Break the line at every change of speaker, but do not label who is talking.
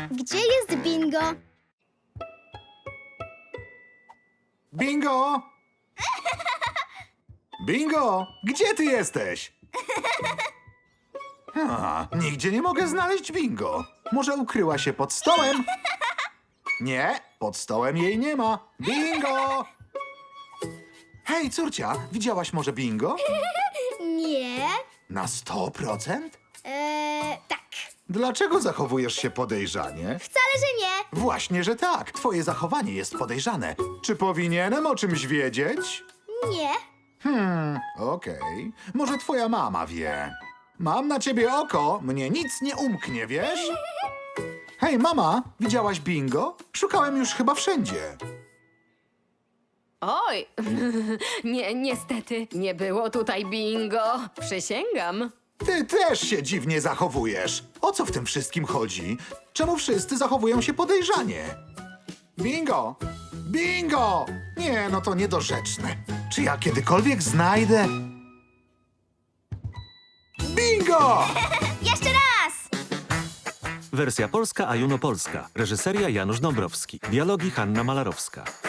Gdzie jest bingo?
Bingo! Bingo! Gdzie ty jesteś? Nigdzie nie mogę znaleźć bingo. Może ukryła się pod stołem? Nie, pod stołem jej nie ma. Bingo! Hej, córcia, widziałaś może bingo?
Nie.
Na 100%?
Tak.
Dlaczego zachowujesz się podejrzanie?
Wcale, że nie.
Właśnie, że tak. Twoje zachowanie jest podejrzane. Czy powinienem o czymś wiedzieć?
Nie.
Okej. Może twoja mama wie. Mam na ciebie oko, mnie nic nie umknie, wiesz? Hej, mama, widziałaś bingo? Szukałem już chyba wszędzie.
Oj, niestety, nie było tutaj bingo. Przysięgam.
Ty też się dziwnie zachowujesz. O co w tym wszystkim chodzi? Czemu wszyscy zachowują się podejrzanie? Bingo! Bingo! Nie, no to niedorzeczne. Czy ja kiedykolwiek znajdę... Bingo!
Jeszcze raz.
Wersja polska, a Juno Polska. Reżyseria Janusz Dąbrowski. Dialogi Hanna Malarowska.